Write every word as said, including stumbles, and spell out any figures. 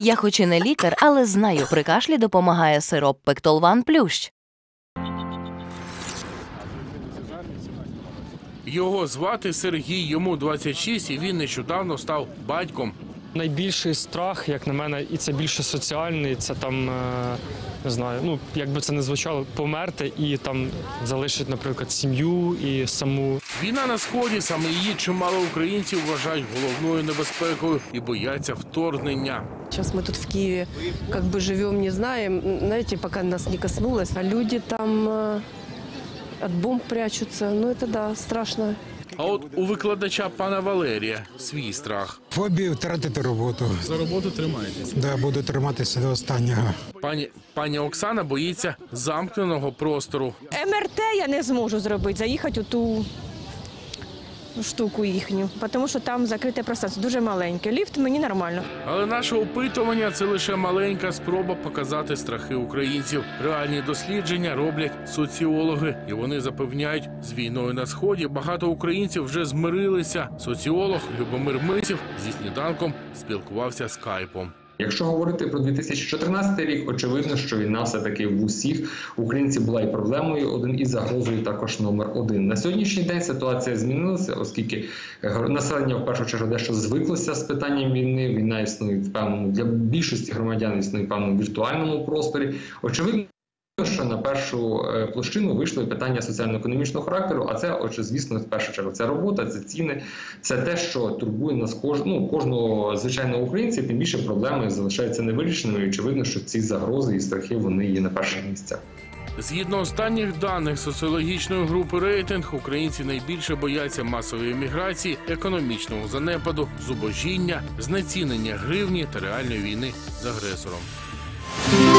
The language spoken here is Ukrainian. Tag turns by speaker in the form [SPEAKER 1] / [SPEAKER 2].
[SPEAKER 1] Я хоч і не лікар, але знаю, при кашлі допомагає сироп Пектолван Плющ.
[SPEAKER 2] Його звати Сергій, йому двадцять шість, і він нещодавно став батьком.
[SPEAKER 3] Найбільший страх, як на мене, і це більше соціальний, це там, не знаю, ну, як би це не звучало, померти і там залишити, наприклад, сім'ю і саму.
[SPEAKER 2] Війна на Сході, саме її чимало українців вважають головною небезпекою і бояться вторгнення.
[SPEAKER 4] Сейчас мы тут в Киеве как бы живем, не знаем, знаете, пока нас не коснулось, а люди там э, от бомб прячутся, ну это да, страшно.
[SPEAKER 2] А от у викладача пана Валерія свій страх.
[SPEAKER 5] Фобію втратити роботу.
[SPEAKER 2] За роботу тримаєтеся?
[SPEAKER 5] Да, буду триматися до останнього.
[SPEAKER 2] Пані, пані Оксана боїться замкненого простору.
[SPEAKER 6] Ем Ер Те я не зможу зробити, заїхати у ту штуку їхню, тому що там закрите пространство, дуже маленьке. Ліфт мені нормально.
[SPEAKER 2] Але наше опитування – це лише маленька спроба показати страхи українців. Реальні дослідження роблять соціологи. І вони запевняють, з війною на Сході багато українців вже змирилися. Соціолог Любомир Мисів зі сніданком спілкувався скайпом.
[SPEAKER 7] Якщо говорити про дві тисячі чотирнадцятий рік, очевидно, що війна все-таки в усіх українців була і проблемою один, і загрозою також номер один. На сьогоднішній день ситуація змінилася, оскільки населення в першу чергу дещо звиклося з питанням війни. Війна існує в певному, для більшості громадян існує в певному віртуальному просторі. Очевидно, що на першу площину вийшло питання соціально-економічного характеру, а це, отже, звісно, в першу чергу, це робота, це ціни, це те, що турбує нас кож... ну, кожного звичайного українця, тим більше проблеми залишаються невирішеними, і очевидно, що ці загрози і страхи, вони є на перших місцях.
[SPEAKER 2] Згідно останніх даних соціологічної групи «Рейтинг», українці найбільше бояться масової еміграції, економічного занепаду, зубожіння, знецінення гривні та реальної війни з агресором.